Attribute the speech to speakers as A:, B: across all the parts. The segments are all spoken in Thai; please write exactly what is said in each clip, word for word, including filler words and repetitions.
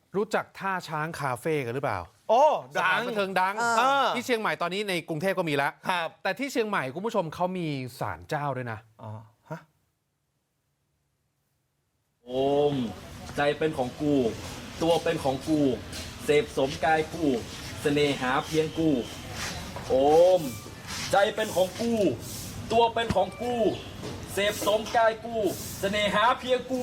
A: รู้จักท่าช้างคาเฟ่กันหรือเปล่า
B: โอ้
A: สถานบันเทิงดัง
B: เออ
A: ที่เชียงใหม่ตอนนี้ในกรุงเทพก็มีแล้ว
B: ครับ
A: แต่ที่เชียงใหม่คุณผู้ชมเขามีศาลเจ้าด้วยนะ
B: อ๋อฮะ
C: โอมใจเป็นของกู ตัวเป็นของกู เสพสมกายกู เสน่หาเพียงกู โอมใจเป็นของกู ตัวเป็นของกู เสพสมกายกู เสน่หาเพียงกู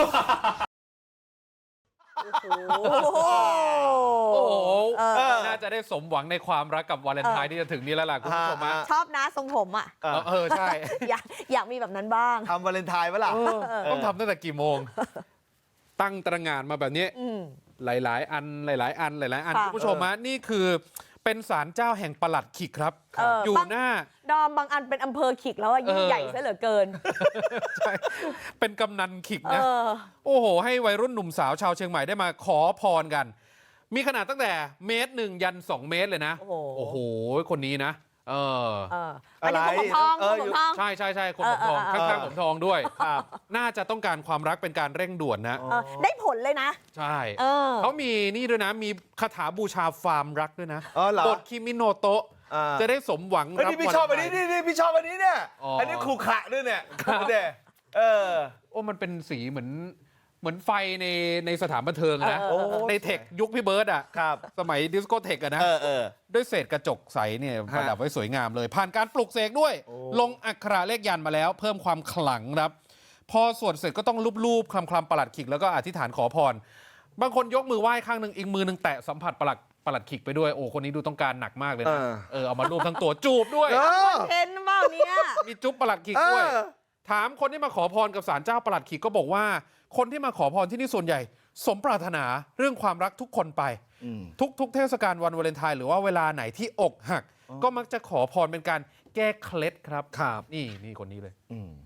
D: โอ้โห
A: โอ้โห
D: เออ
A: น่าจะได้สมหวังในความรักกับวาเลนไทน์ที่จะถึงนี้แล้วล่ะคุณผู้ชมฮะ
D: ชอบนะทรงผมอ่ะ
B: เออ
A: เออใช่
D: อยากอยากมีแบบนั้นบ้าง
B: ทำวาเลนไทน์ปะล่ะ
A: เออต้องทำตั้งแต่กี่โมง ตั้งตระหง่านมาแบบนี้
D: อืม
A: หลาย ๆ อันหลาย ๆ อันหลาย ๆ อัน
D: ค่ะ
A: คุณผู้ชมฮะนี่คือเป็นศาลเจ้าแห่งปลัดขิกครับ
D: เออ
A: อยู่
D: บาง
A: หน้า
D: ดอมบางอันเป็นอำเภอขิกแล้วอะยิ่ง
A: เออ
D: ใหญ่ซะเหลือเกิน
A: ใช่เป็นกำนันขิก
D: เอ
A: นะ
D: อ
A: โอ้โห ให้วัยรุ่นหนุ่มสาวชาวเชียงใหม่ได้มาขอพรกัน มีขนาดตั้งแต่เมตรหนึ่งยันสองเมตรเลยนะ
D: โอ้โห
A: โอ้โห คนนี้นะ เออ
D: เออ
B: อะ
D: อัน
B: ไร
D: นี้ผมทอง
B: เออ
D: ผมทอง
A: ใช่ใช่ใช่คนผมทอง
D: เออเออเออ
A: ข้างๆผมทองด้วย
B: ครับ
A: น่าจะต้องการความรักเป็นการเร่งด่วนนะ
B: อ๋อ
D: เออได้ผลเลยนะ
A: ใช่
D: เออ
A: เขามีนี่ด้วยนะ มีคาถาบูชาฟาร์มรักด้วยนะ
B: อ๋อเหรอบ
A: ทคิมิโนโตะ
B: อ่า
A: จะได้สมหวัง
B: เฮ้ย
A: รับ
B: นี่พี่ชอบอันนี้
A: วาเล
B: นี่
A: ไท
B: นี่พี่ชอบอันนี้เนี่ย
A: อ๋ออั
B: อันนี้ขรุขระด้วยเนี่ย
A: ครับ
B: เด้เออ
A: โอ้มันเป็นสีเหมือนเหมือนไฟในในสถานบันเทิงอะนะ
D: เออเออ
A: ในเทคยุคพี่เบิร์ดอ่ะ
B: ครับ
A: สมัยดิสโกเทคอะนะ
B: เออเออ
A: ด้วยเศษกระจกใสเนี่ย
B: ฮะ
A: ประดับไว้สวยงามเลย ผ่านการปลุกเสกด้วย
B: โอ้
A: ลงอักขระเลขยันมาแล้ว เพิ่มความขลังครับ พอสวดเสร็จก็ต้องลูบๆคลำๆประหลัดขิกแล้วก็อธิษฐานขอพร บางคนยกมือไหว้ข้างหนึ่งอีกมือหนึ่งแตะสัมผัสประหลัดประหลัดขิกไปด้วยโอ้คนนี้ดูต้องการหนักมากเลย
B: เอ
A: นะ
B: อ
A: เออเอามารูปทั้งตัวจูบด้วย
B: เออ
D: เห็นเปล่าเนี่ย
A: มีจุ๊บประหลัดขิก
B: เอ
A: ด้วย
B: อ
A: ถามคนที่มาขอพรกับศาลเจ้าประหลัดขิกก็บอกว่า คนที่มาขอพรที่นี่ส่วนใหญ่ สมปรารถนาเรื่องความรักทุกคนไป
B: อืม
A: ทุกทุกเทศกาลวันวาเลนไทน์หรือว่าเวลาไหนที่อกหัก ก็มักจะขอพรเป็นการแก้เคล็ดครับ
B: ครับ
A: นี่นี่คนนี้เลย
B: อืม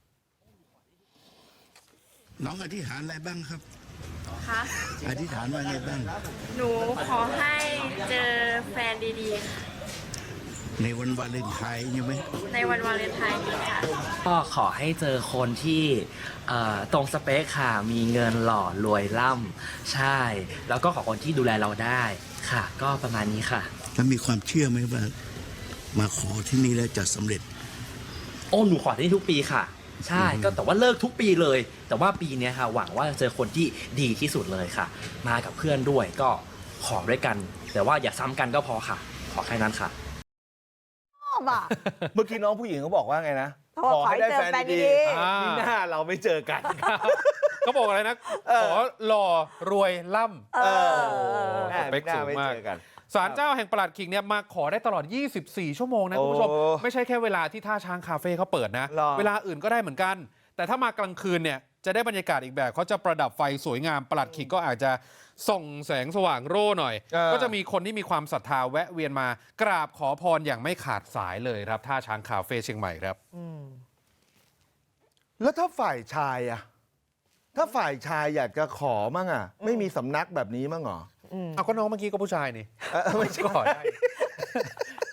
E: น้องอธิษฐานอะไรบ้างครับ
F: คะ
E: อธิษฐานว่าไงบ้าง
F: หนูขอให้เจอแฟนดีๆค่ะ
E: ในวันวาเลนไทน์ใช่ไหม
F: ในวันวาเลนไทน์นี้ค่ะ
G: ก็ขอให้เจอคนที่เอ่อตรงสเปคค่ะ มีเงินหล่อรวยล่ำใช่ แล้วก็ขอคนที่ดูแลเราได้ค่ะ ก็ประมาณนี้ค่ะ
E: แล้วมีความเชื่อไหมว่า มาขอที่นี่แล้วจะสำเร็จ
G: โอ้หนูขอที่นี่ทุกปีค่ะ ใช่ก็แต่ว่าเลิกทุกปีเลย แต่ว่าปีเนี้ยค่ะ หวังว่าจะเจอคนที่ดีที่สุดเลยค่ะ มากับเพื่อนด้วยก็ขอด้วยกัน แต่ว่าอย่าซ้ำกันก็พอค่ะ ขอแค่นั้นค่ะ
D: ชอบอ่ะ
B: เมื่อกี้น้องผู้หญิงเขาบอกว่าไงนะ
D: เขาบอกขอให้เจอแฟนดีๆ
A: อ่า
B: นี่หน้าเราไม่เจอกัน
A: เขาบอกอะไรนะ
B: เออ
A: ขอหล่อรวยล่ำ
D: เออ
B: แม่
A: สเปคสูงมาก
B: ไเจอกัน
A: ศาลเจ้าแห่งประหลัดขิกเนี่ยมาขอได้ตลอด ยี่สิบสี่ ชั่วโมงนะคุณผู้ชม
B: โอ้
A: ไม่ใช่แค่เวลาที่ท่าช้างคาเฟ่เขาเปิดนะ
B: หรอ
A: เวลาอื่นก็ได้เหมือนกัน แต่ถ้ามากลางคืนเนี่ยจะได้บรรยากาศอีกแบบเขาจะประดับไฟสวยงามประหลัดขิกก็อาจจะส่องแสงสว่างโร่หน่อย
B: เออ
A: ก็จะมีคนที่มีความศรัทธาแวะเวียนมากราบขอพรอย่างไม่ขาดสายเลยครับท่าช้างคาเฟ่เชียงใหม่ครับ
D: อืม
B: แล้วถ้าฝ่ายชายอะถ้าฝ่ายชายอยากจะขอมั่งอะไม่มีสำนักแบบนี้มั่งเหรอ
D: อืม
A: เอาก็น้องเมื่อกี้ก็ผู้ชายนี่
B: เออไม่ใช่
A: ก็ขอได้